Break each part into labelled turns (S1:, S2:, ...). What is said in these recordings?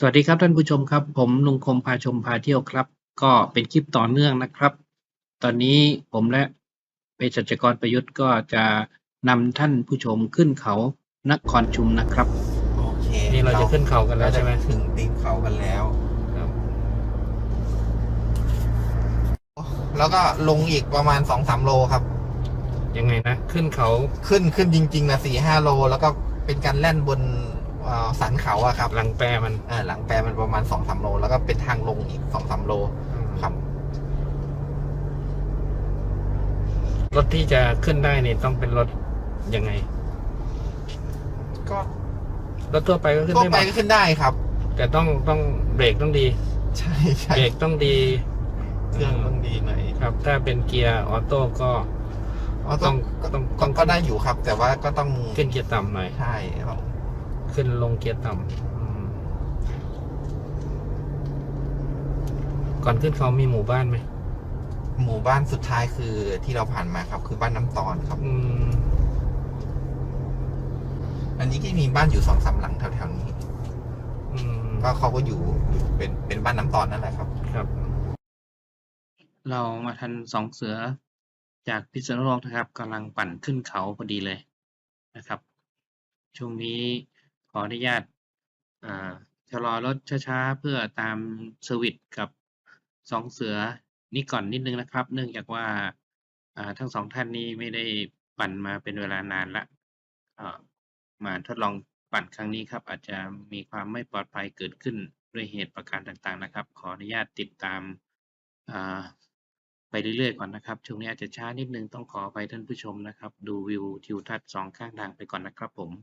S1: สวัสดีครับท่านผู้ชมครับผมลุงคมพาชมพาเที่ยวครับก็เป็นคลิปต่อเนื่องนะครับตอนนี้ผมและเภสัชกรประยุทธ์ก็จะนำท่านผู้ชมขึ้นเขานครชุมนะครับ
S2: โอเค
S3: นี่เราจะขึ้นเขากันแล้วใช่ไหม
S2: ถึงตีนเขากันแล้ว
S3: ครับ
S2: แล้วก็ลงอีกประมาณ 2-3 โลครับ
S3: ยังไงนะขึ้นเขา
S2: ขึ้นจริงๆนะ4-5 โล แล้วก็เป็นการแล่นบนสันเขาอะครับ
S3: หลังแปรมัน
S2: หลังแปรมันประมาณ 2-3 โล แล้วก็เป็นทางลงอีก 2-3 โลครับ
S3: รถที่จะขึ้นได้นี่ต้องเป็นรถยังไง
S2: ก็
S3: รถทั่วไปก็ขึ้น
S2: ทั่ว
S3: ได้ห
S2: ไป
S3: มด
S2: ก็ขึ้นได้ครับ
S3: แต่ต้องเบรกต้องดี
S2: ใช่ใช่
S3: เบรกต้องดี
S2: เครื่องต้องดีหน่อย
S3: ครับ ถ้าเป็นเกียร์ออโต้ก็ ก็
S2: ก็ได้อยู่ครับ แต่ว่าก็ต้อง
S3: ขึ้นเกียร์ต่ำหน่อย
S2: ใช่ครับ
S3: ขึ้นลงเกียร์ต่ำก่อนขึ้นเขามีหมู่บ้านไหม
S2: หมู่บ้านสุดท้ายคือที่เราผ่านมาครับ คือบ้านน้ำตอนครับ อันนี้ก็มีบ้านอยู่2-3 หลังแถวๆนี้ ก็เขาก็อยู่เป็นบ้านน้ำตอนนั่นแหละครับ
S3: ครับ
S1: เรามาทันสองเสือจากพิษณุโลกนะครับกำลังปั่นขึ้นเขาพอดีเลยนะครับช่วงนี้ขออนุญาตชะลอรถช้าๆเพื่อตามเซอร์วิสกับสองเสือนี่ก่อนนิดนึงนะครับ เนื่องจากว่าทั้งสองท่านนี้ไม่ได้ปั่นมาเป็นเวลานานละมาทดลองปั่นครั้งนี้ครับอาจจะมีความไม่ปลอดภัยเกิดขึ้นด้วยเหตุประการต่างๆนะครับขออนุญาตติดตามไปเรื่อยๆก่อนนะครับช่วงนี้อาจจะช้านิดนึงต้องขออภัยท่านผู้ชมนะครับดูวิวทิวทัศน์สองข้างทางไปก่อนนะครับผม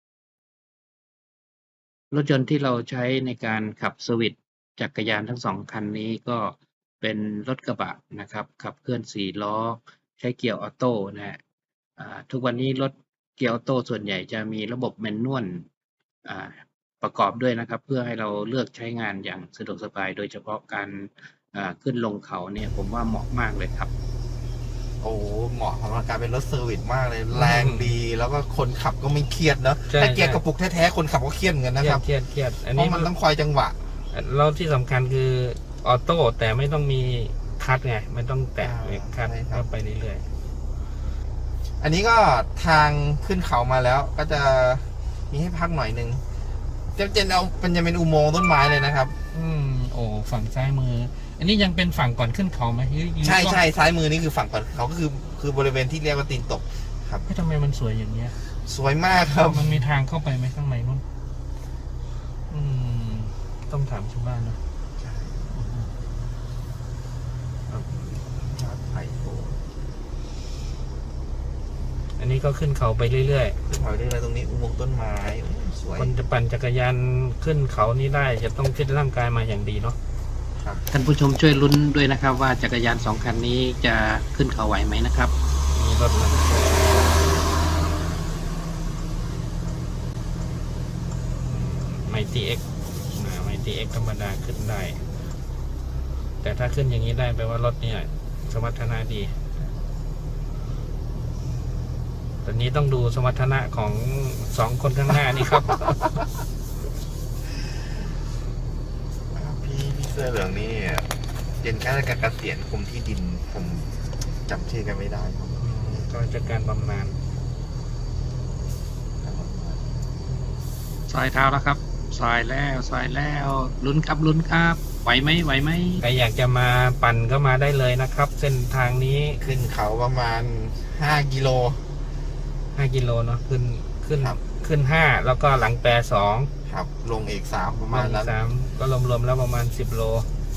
S1: รถยนต์ที่เราใช้ในการขับเซอร์วิสจักรยานทั้งสองคันนี้ก็เป็นรถกระบะนะครับขับเคลื่อน4 ล้อใช้เกียร์ออโต้นะฮะทุกวันนี้รถเกียร์ออโต้ส่วนใหญ่จะมีระบบแมนนวลประกอบด้วยนะครับเพื่อให้เราเลือกใช้งานอย่างสะดวกสบายโดยเฉพาะการขึ้นลงเขาเนี่ยผมว่าเหมาะมากเลยครับ
S2: โอ้เหมาะสำหรับการเป็นรถเซอร์วิสมากเลย แรงดีแล้วก็คนขับก็ไม่เครียดเนอะ
S3: ใช่
S2: ถ้าเกียร์
S3: ใช่
S2: กระปุกแท้ๆคนขับก็เครียดเหมือนกันนะครับ
S3: เครียดอัน
S2: เพ
S3: นี้
S2: ราะมันต้องคอยจังหวะ
S3: แล้วที่สำคัญคือออโต้แต่ไม่ต้องมีคัทไงไม่ต้องแตะเบรกคัท
S2: ใช่ครับ
S3: ก็ไปเรื่อย
S2: อันนี้ก็ทางขึ้นเขามาแล้ว ก็จะมีให้พักหน่อยนึงจะเป็นอุโมงค์ต้นไม้เลยนะครับ
S3: โอ้ฝั่งซ้ายมือ อันนี้ยังเป็นฝั่งก่อนขึ้นเขาไหมหรือ
S2: ใช่ซ้ายมือนี่คือฝั่งก่อนเขาก็คือบริเวณที่เรียกว่าตีนตกครับ
S3: เฮ้ยทำไมมันสวยอย่างเงี้ย
S2: สวยมากครับ
S3: มันมีทางเข้าไปไหมข้างในนู้นต้องถามชาวบ้านนะ
S2: ไผ่โผล่
S3: อันนี้ก็ขึ้นเขาไปเรื่อย
S2: ขึ้นเขาได้เลยตรงนี้อุโมงค์ต้นไม้โอ้สวย
S3: ๆคนจะปั่นจักรยานขึ้นเขานี้ได้จะต้องฟิตร่างกายมาอย่างดีเนาะ
S2: ครับ
S1: ท่านผู้ชมช่วยลุ้นด้วยนะครับว่าจักรยานสองคันนี้จะขึ้นเขาไหวไหมนะครับ
S3: มีรถมันไมตีเอ็กไมตีเอ็กธรรมดาขึ้นได้ แต่ถ้าขึ้นอย่างนี้ได้แปลว่ารถเนี่ยสมรรถนะดีตอนนี้ต้องดูสมรรถนะของ2 คนข้างหน้านี่ครับ
S2: พี่เสื้อเหลืองนี่เป็นข้าราชการเกษียณกรมที่ดินผมจำชื่อกันไม่ได้ครับ
S3: ก็จะการบำนาญ
S1: ซอยเท้าแล้วครับซอยแล้วลุ้นครับไหวไหม
S3: ใครอยากจะมาปั่นก็มาได้เลยนะครับ เส้นทางนี้
S2: ขึ้นเขาประมาณ5 กิโล
S3: 5 กิโลเนาะขึ้น
S2: ครับ
S3: ขึ้น5แล้วก็หลังแปร2
S2: ครับ ลงอีก3ประมาณ
S3: อี
S2: นั้
S3: ก
S2: น
S3: 3ก็รวมๆแล้วประมาณ10 โล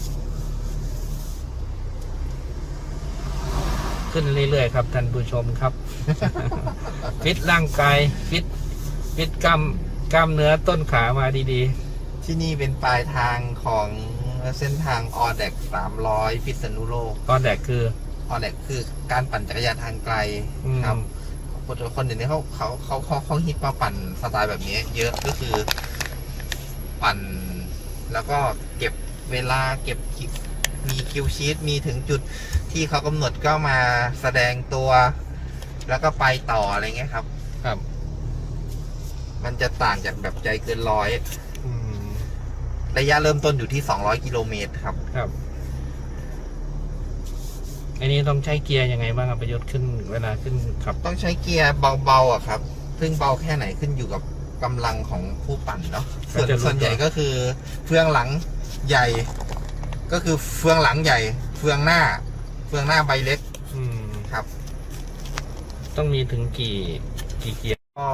S3: ขึ้นเรื่อยๆครับท่านผู้ชมครับ ฟิตร่างกายฟิตกล้ามเนื้อต้นขามาดี
S2: ที่นี่เป็นปลายทางของเส้นทางออเด็ก300พิษณุโลก
S3: ๆก็แดกคือ
S2: ออเด็กคือการปั่นจักรยานทางไกลครับคนเดี๋ยวนี้เขาฮิตมาปั่นสไตล์แบบนี้ เยอะก็คือปั่น แล้วก็เก็บเวลาเก็บมีคิวชีตมีถึงจุดที่เขากำหนดก็มาแสดงตัว แล้วก็ไปต่ออะไรเงี้ยครับ
S3: ครับ
S2: มันจะต่างจากแบบใจเกินร้อยระยะเริ่มต้นอยู่ที่200 กิโลเมตรครับ
S3: ครับอันนี้ต้องใช้เกียร์ยังไงบ้างครับประโยชน์ขึ้นเวลาขึ้นขับ
S2: ต้องใช้เกียร์เบาๆอะครับ ซึ่งเบาแค่ไหนขึ้นอยู่กับกำลังของผู้ปั่นเนาะ ส่วนใหญ่ก็คือเฟืองหลังใหญ่ ก็คือเฟืองหลังใหญ่ เฟืองหน้าใบเล็ก
S3: อืม
S2: ครับ
S3: ต้องมีถึงกี่เกียร์
S2: ก็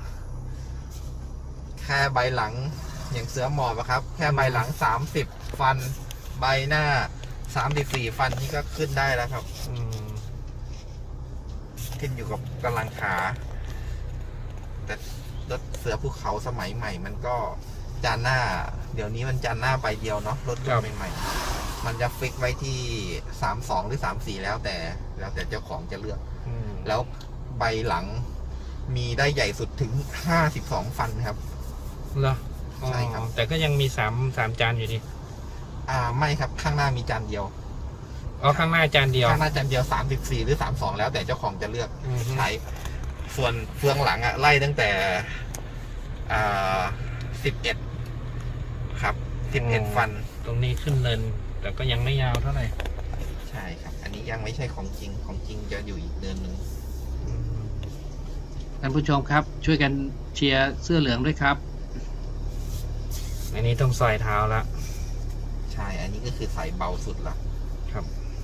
S2: แค่ใบหลังอย่างเสือหมอบอะครับ แค่ใบหลัง30 ฟัน ใบหน้า34 ฟันนี่ก็ขึ้นได้แล้วครับ
S3: อืม
S2: ขึ้นอยู่กับกำลังขา แต่รถเสือภูเขาสมัยใหม่ มันก็จานหน้า เดี๋ยวนี้มันจานหน้าใบเดียวเนาะรถรุ่นใหม่ๆมันจะฟิกไว้ที่32หรือ34แล้วแต่เจ้าของจะเลือก
S3: อืม
S2: แล้วใบหลังมีได้ใหญ่สุดถึง52 ฟันครับ
S3: เหรอ
S2: ใช่ครับ
S3: อ๋อแต่ก็ยังมีสามจานอยู่ดี
S2: ไม่ครับข้างหน้ามีจานเดียว
S3: อ๋อข้างหน้าจานเดียว
S2: ข้างหน้าจานเดียว34หรือ32แล้วแต่เจ้าของจะเลือก
S3: อืม
S2: ใช้ ส่วนเฟืองหลังไล่ตั้งแต่11ครับ11 ฟัน
S3: ตรงนี้ขึ้นเนินแต่ก็ยังไม่ยาวเท่าไหร่
S2: ใช่ครับ อันนี้ยังไม่ใช่ของจริงจะอยู่อีกเดือนหนึ่ง
S3: อืม
S1: ท่านผู้ชมครับ ช่วยกันเชียร์เสื้อเหลืองด้วยครับ
S3: อันนี้ต้องซอยเท้าละ
S2: ใช่ อันนี้ก็คือใส่เบาสุดละ
S3: ครับ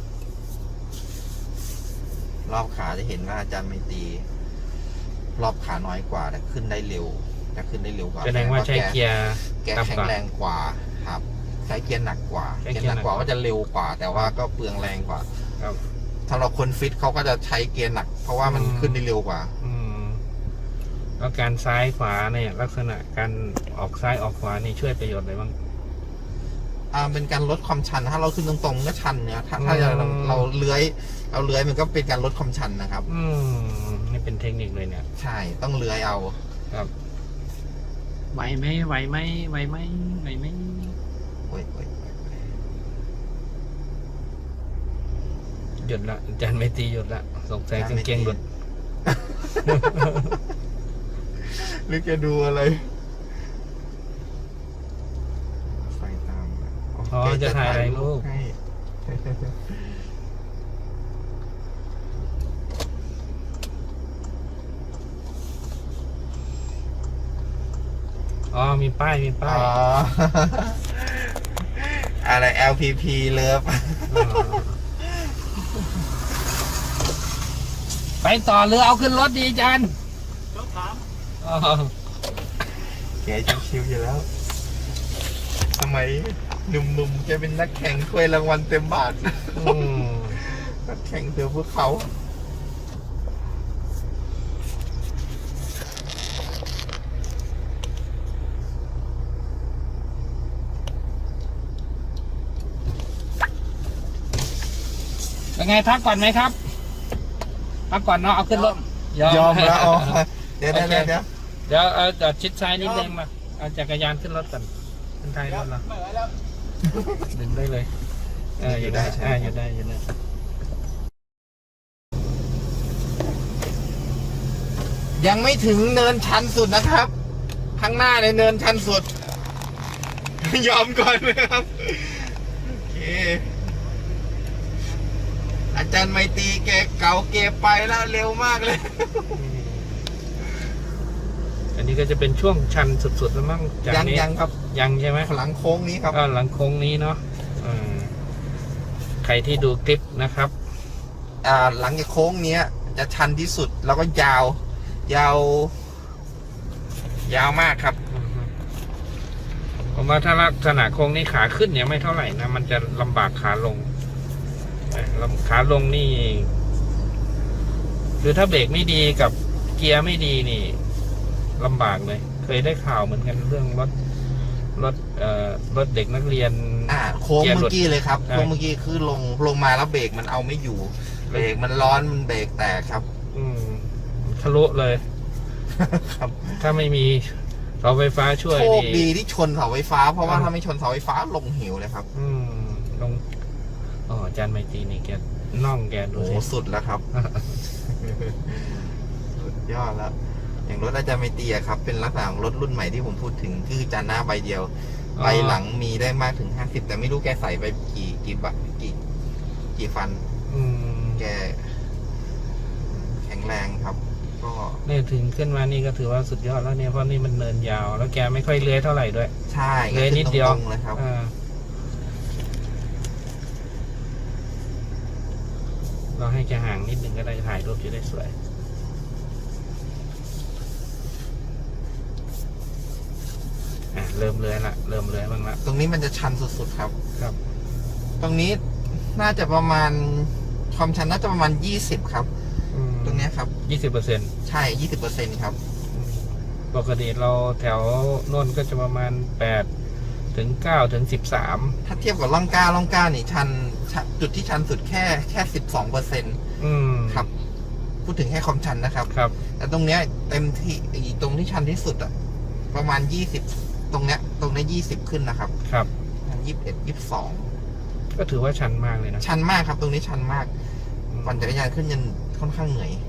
S2: รอบขาจะเห็นว่าอาจารย์ไม่ตี รอบขาน้อยกว่าแต่ขึ้นได้เร็วกว่า
S3: แสดงว่าใช้เกียร์
S2: แกแข็งแรงกว่าครับ ใช้เกียร์หนักกว่า
S3: ใช้
S2: เกี
S3: เกี
S2: ย
S3: ยร์
S2: ร์หนักกว่า
S3: หนัก
S2: ก็จะเร็วกว่า แต่ว่าก็เปลืองแรงกว่า
S3: ครับ
S2: สำหรับคนฟิตเขาก็จะใช้เกียร์หนัก เพราะว่ามันขึ้นได้เร็วกว่า
S3: อืมแล้วการซ้ายขวาเนี่ยลักษณะการออกซ้ายออกขวานี่ช่วยประโยชน์อะไรบ้าง
S2: เป็นการลดความชัน ถ้าเราขึ้นตรงๆก็ชันเนี่ยถ้าเราเลื้อยมันก็เป็นการลดความชันนะครับ
S3: อืมนี่เป็นเทคนิคเลยเนี่ย
S2: ใช่ต้องเลื้อยเอา
S3: ครับ
S1: ไหวไหมไหวไหมไหวไหมไหวไหม
S2: โอ้ย
S3: หยุดละอาจารย์ไม่ตีหยุดละสงสัยกางเกงหลุด
S2: หรือจะดูอะไรไฟตาม
S3: อ๋อจะถ่ายอะไรลูก
S2: ให้
S3: อ๋อมีป้าย
S2: อ๋อ อะไร LPP เลิฟ
S3: ไปต่อหรือเอาขึ้นรถดีอาจารย์อ๋อ
S2: แกชิวๆอยู่แล้วสมัยหนุ่มๆแกเป็นนักแข่งถ้วยรางวัลเต็มบาท
S3: อืม
S2: นักแข่งเสือภูเขา
S3: เป็นไงพักก่อนไหมครับพักก่อนเนาะเอาขึ้นรถ
S2: ยอมแล้วอ๋อเดี๋ยว
S3: โอเค
S2: เดี๋ยว
S3: เดี๋ยวเอาจอดชิดซ้ายนิดนึงมาเอาจักรยานขึ้นรถก่อนขึ้นท้ายรถเราดึงได้เลยอยู่ได้อยู่ได้
S2: ยังไม่ถึงเนินชันสุดนะครับ ข้างหน้าในเนินชันสุด ยอมก่อนนะครับโอเคอาจารย์ไมตรีแกเก่าเก็บไปแล้วเร็วมากเลย
S3: อันนี้ก็จะเป็นช่วงชันสุดๆแล้วมั้งจากนี้
S2: ยังครับ
S3: ยังใช่ไหม
S2: หลังโค้งนี้ครับ
S3: หลังโค้งนี้เนาะใครที่ดูคลิปนะครับ
S2: หลังจากโค้งเนี้ย จะชันที่สุดแล้วก็ยาว ยาวมากครับ
S3: ผมว่าถ้าลักษณะโค้งนี้ขาขึ้นเนี่ยไม่เท่าไหร่นะมันจะลำบากขาลงขาลงนี่คือถ้าเบรกไม่ดีกับเกียร์ไม่ดีนี่ลำบากเลย เคยได้ข่าวเหมือนกันเรื่องรถเด็กนักเรียน
S2: โค้ง
S3: เกียร์หลุ
S2: เมื่
S3: ด
S2: อกี้เลยครับ
S3: ใช่
S2: โค้งเมื่อกี้คือลงมาแล้วเบรกมันเอาไม่อยู่ เบรกมันร้อนมันเบรกแตกครับ
S3: ทะลุเลย
S2: ครับ
S3: ถ้าไม่มีเสาไฟฟ้าช่วย
S2: โชค
S3: นี่
S2: ดีที่ชนเสาไฟฟ้าเพราะว่าถ้าไม่ชนเสาไฟฟ้าลงเหวเลยครับ
S3: ลงอาจารย์ไมตรีนี่แกน่องแกดู
S2: โอ้
S3: สิ
S2: สุดแล้วครับ สุดยอดแล้ว อย่างรถอาจารย์ไมตรีอะครับ เป็นลักษณะของรถรุ่นใหม่ที่ผมพูดถึงคือจานหน้าใบเดียวไหล่หลังมีได้มากถึง50แต่ไม่รู้แกใส่ไปกี่บัตกี่ฟัน แกแข็งแรงครับ ก็
S3: เนี่ยถึงขึ้นมานี่ก็ถือว่าสุดยอดแล้วเนี่ยเพราะนี่มันเนินยาว แล้วแกไม่ค่อยเลื้อยเท่าไหร่ด้วย
S2: ใช่
S3: เลื้อยนิดเดียว
S2: ตรงๆเลยครับ
S3: เราให้แกห่างนิดนึงก็ได้ถ่ายรูปจะได้สวยเริ่มเลื้อยละเริ่มเลื้อยบ้างละ
S2: ตรงนี้มันจะชันสุดๆครับ
S3: ครับ
S2: ตรงนี้น่าจะประมาณความชันน่าจะประมาณ20ครับ ตรงเนี้ยครับ
S3: 20%
S2: ใช่20%ครับ
S3: ปกติเราแถวโน่นก็จะประมาณ8 ถึง 9 ถึง 13
S2: ถ้าเทียบกับล่องกล้านี่ชันจุดที่ชันสุดแค่12%ครับ พูดถึงแค่ความชันนะครับ
S3: ครับ
S2: แต่ตรงเนี้ยเต็มที่ตรงที่ชันที่สุดอะประมาณ20ตรงเนี้ย20ขึ้นนะครับ
S3: ครับ
S2: 21 22
S3: ก็ถือว่าชันมากเลยนะ
S2: ชันมากครับ ตรงนี้ชันมากปั่นจักรยานขึ้นยันค่อนข้างเหนื่อย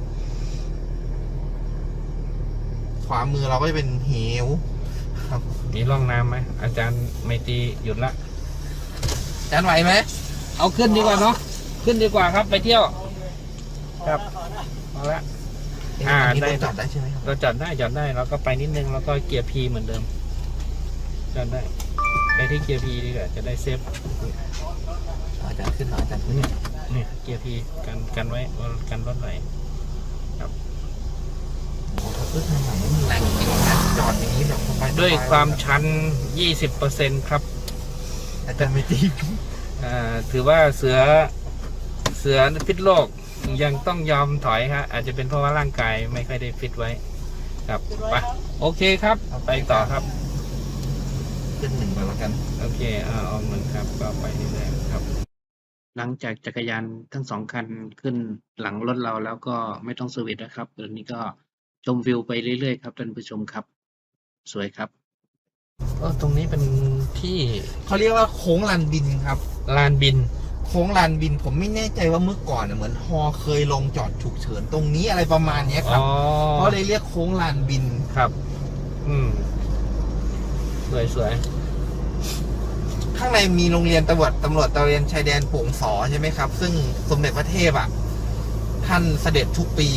S2: ขวามือเราก็จะเป็นเหวครับ
S3: มีร่องน้ำไหมอาจารย์ไมตรีหยุดละ
S2: จานไหวไหม
S3: เอาขึ้นดีกว่าเนาะขึ้นดีกว่าครับไปเที่ยว ครับเอาละ
S2: อันนี้
S3: ได้
S2: รถจอดได้ใช่ไหมครับ
S3: เราจอดได้แล้วก็ไปนิดนึงแล้วก็เกียร์ P เหมือนเดิมจอดได้ไปที่เกียร์ P ดีกว่าจะได้เซฟ
S2: อาจารย์ขึ้นหน่อยอาจารย์ขึ้น
S3: เนี่ยเกียร์ P กันไว้กันรถไหล
S2: โอ้โหถ้าขึ้นทางไหนมันแรงจริงๆนะจอดอย่างนี้แบบสบายๆ
S3: ด้วยความชัน 20% ครับ
S2: อาจารย์ไม่ตี
S3: ถือว่าเสือพิษโลกยังต้องยอมถอยครับอาจจะเป็นเพราะว่าร่างกายไม่ค่อยได้ฟิตไว้ครับไปโอเคครับไปต่อครับ
S2: ขึ้น1ไปแล้วกัน
S3: โอเคเอาหนึ่งครับก็ไปเรื่อยๆครับ
S1: หลังจากจักรยานทั้งสองคันขึ้นหลังรถเราแล้วก็ไม่ต้องเซอร์วิสนะครับตอนนี้ก็ชมวิวไปเรื่อยๆครับท่านผู้ชมครับ สวยครับ
S3: ตรงนี้เป็นที่
S2: เขาเรียกว่าโค้งลานบินครับ
S3: ลานบิน
S2: โค้งลานบินผมไม่แน่ใจว่าเมื่อก่อนเหมือนฮอเคยลงจอดฉุกเฉินตรงนี้อะไรประมาณเนี้ยครับเขาเลยเรียกโค้งลานบิน
S3: ครับ สวย
S2: ข้างในมีโรงเรียนตำรวจตระเวนชายแดนโป่งสอใช่ไหมครับ ซึ่งสมเด็จพระเทพท่านเสด็จทุกปี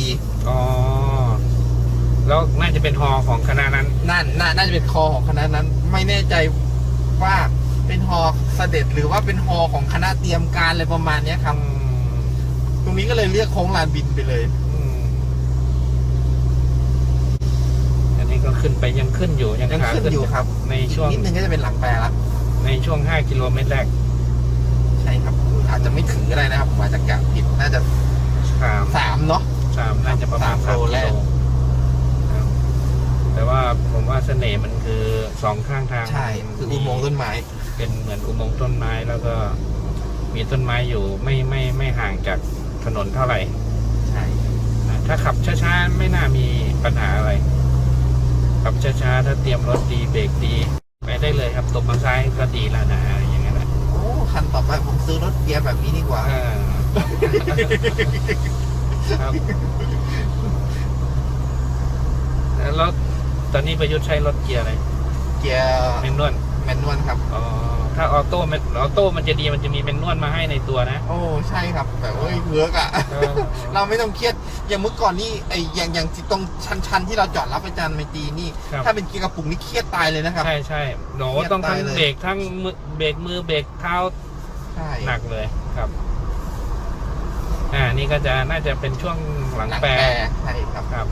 S3: แล้วน่าจะเป็นฮอของคณะนั้น
S2: น่าจะเป็นคอของคณะนั้น ไม่แน่ใจว่าเป็นฮอเสด็จหรือว่าเป็นฮอของคณะเตรียมการอะไรประมาณเนี้ยครับ ตรงนี้ก็เลยเรียกโค้งลานบินไปเลย
S3: อันนี้ก็ขึ้นไปยังขึ้นอยู่ยัง
S2: ยัง
S3: ขา
S2: ขึ้นอยู่ครับ
S3: ในช่วง
S2: นิดนึงก็จะเป็นหลังแปรแล้ว
S3: ในช่วง 5 กิโลเมตรแรก
S2: ใช่ครับ อาจจะไม่ถึงก็ได้นะครับผมอาจจะกะผิดน่าจะ 3เนาะ
S3: 3น่าจะประมาณ
S2: 3
S3: 3
S2: โล
S3: กิ
S2: แร
S3: โล
S2: ก
S3: ครับแต่ว่าผมว่าเสน่ห์มันคือ2ข้างทาง
S2: ใช่คืออุโมงค์ต้นไม้
S3: เป็นเหมือนอุโมงค์ต้นไม้แล้วก็มีต้นไม้อยู่ไม่ห่างจากถนนเท่าไหร่
S2: ใช่
S3: ถ้าขับช้าๆไม่น่ามีปัญหาอะไรขับช้าๆถ้าเตรียมรถดีเบรกดีไปได้เลยครับตบมาซ้ายก็ดีแล้วนะอย่างนั้นแหละ
S2: โอ้คันต่อไปผมซื้อรถเกียร์แบบนี้ดีกว่า
S3: ครับแล้วตอนนี้ประยุทธ์ใช้รถเกียร์อะไร
S2: เกียร์
S3: แมนนวล
S2: แมนนวลครับ
S3: ถ้าออโต้มันจะดีมันจะมีแมนนวลมาให้ในตัวนะ
S2: โอ้ใช่ครับแบบเวิร์กอ่ะ เราไม่ต้องเครียดอย่างเมื่อก่อนนี่อย่างตรงชันที่เราจอดรับอาจารย์ไมตรีนี่ ถ้าเป็นเกียร์กระปุกนี่เครียดตายเลยนะครับ
S3: ใช่โหต้องทั้งเบรกทั้งเบรกมือเบรกเท้า
S2: ใช่
S3: หนักเลยครับนี่ก็จะน่าจะเป็นช่วงหลังแปร
S2: ใช่ครับ
S3: ครับ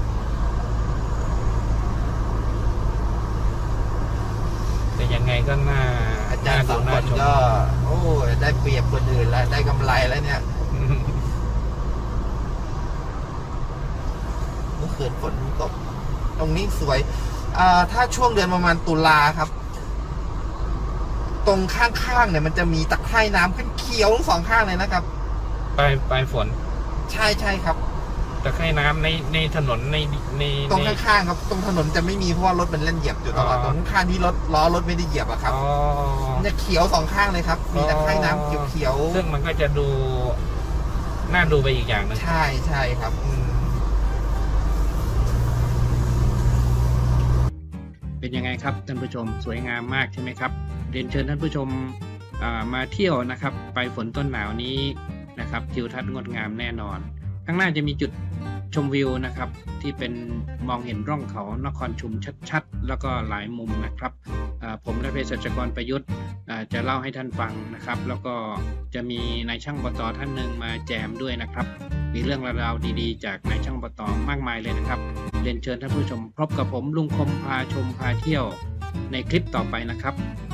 S3: แต่ยังไงก็น่า
S2: อาจารย์สองคนก็โอ้ได้เปรียบคนอื่นแล้วได้กำไรแล้วเนี่ยเมื่อคืนฝนตกตรงนี้สวยถ้าช่วงเดือนประมาณตุลาครับ ตรงข้างๆเนี่ยมันจะมีตะไคร่น้ำขึ้นเขียวทั้งสองข้างเลยนะครับ
S3: ปลายฝน
S2: ใช่ครับ
S3: ตะไคร่น้ำในถนนใน
S2: ตรงข้างๆครับตรงถนนจะไม่มีเพราะว่ารถมันเล่นเหยียบอยู่ตลอดตรงข้างที่ล้อรถไม่ได้เหยียบอะครับมันจะเขียวสองข้างเลยครับ มีตะไคร่น้ำเขียวๆ
S3: ซึ่งมันก็จะดูน่าดูไปอีกอย่างหนึง
S2: ใช่ครับ
S1: เป็นยังไงครับท่านผู้ชมสวยงามมากใช่ไหมครับเรียนเชิญท่านผู้ชมมาเที่ยวนะครับไปฝนต้นหนาวนี้นะครับทิวทัศน์งดงามแน่นอนข้างหน้าจะมีจุดชมวิวนะครับที่เป็นมองเห็นร่องเขานครชุมชัดๆแล้วก็หลายมุมนะครับผมและเภสัชกรประยุทธ์จะเล่าให้ท่านฟังนะครับแล้วก็จะมีนายช่างอบต.ท่านหนึ่งมาแจมด้วยนะครับมีเรื่องราวดีๆจากนายช่างอบต.มากมายเลยนะครับเรียนเชิญท่านผู้ชมพบกับผมลุงคมพาชมพาเที่ยวในคลิปต่อไปนะครับ